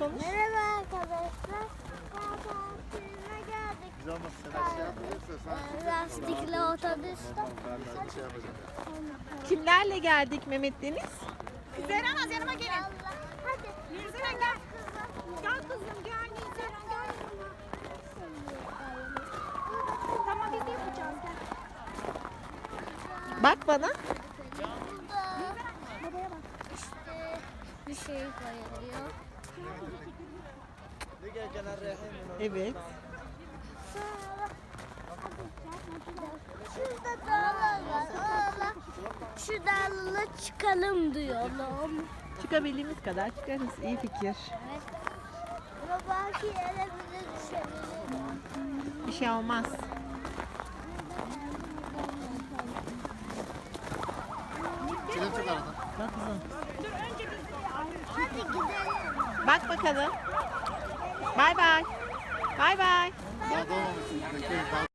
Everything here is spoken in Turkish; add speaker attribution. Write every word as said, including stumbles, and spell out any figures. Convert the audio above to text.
Speaker 1: konuş.
Speaker 2: Merhaba arkadaşlar. Tatile geldik.
Speaker 3: Güzel ama sen şey yapabilirsen sen.
Speaker 2: Ee, Lastikli otobüs.
Speaker 3: Ben şey yapacağım.
Speaker 1: Kimlerle geldik Mehmet Deniz?
Speaker 4: Zeynep yanıma gelin.
Speaker 2: Hadi.
Speaker 4: Nilseren gel. Gel kızım gel Nilseren gel. Tamam biz de yapacağız gel.
Speaker 1: Bak bana.
Speaker 2: Burada işte bir şey koyuluyor.
Speaker 1: Evet.
Speaker 2: Şurada dağlar var. Oralar, şu dağlara çıkalım diyorum.
Speaker 1: Çıkabildiğimiz kadar çıkarız. İyi fikir.
Speaker 2: Evet. Ama belki yere bile düşebilir.
Speaker 1: Bir şey olmaz.
Speaker 3: Çilek çok aradan.
Speaker 1: Bak kızım.
Speaker 2: Hadi gidelim.
Speaker 1: Bak bakalım. Bay bay. Bay bay.
Speaker 3: Daha doğmamışsın. Bekleyin.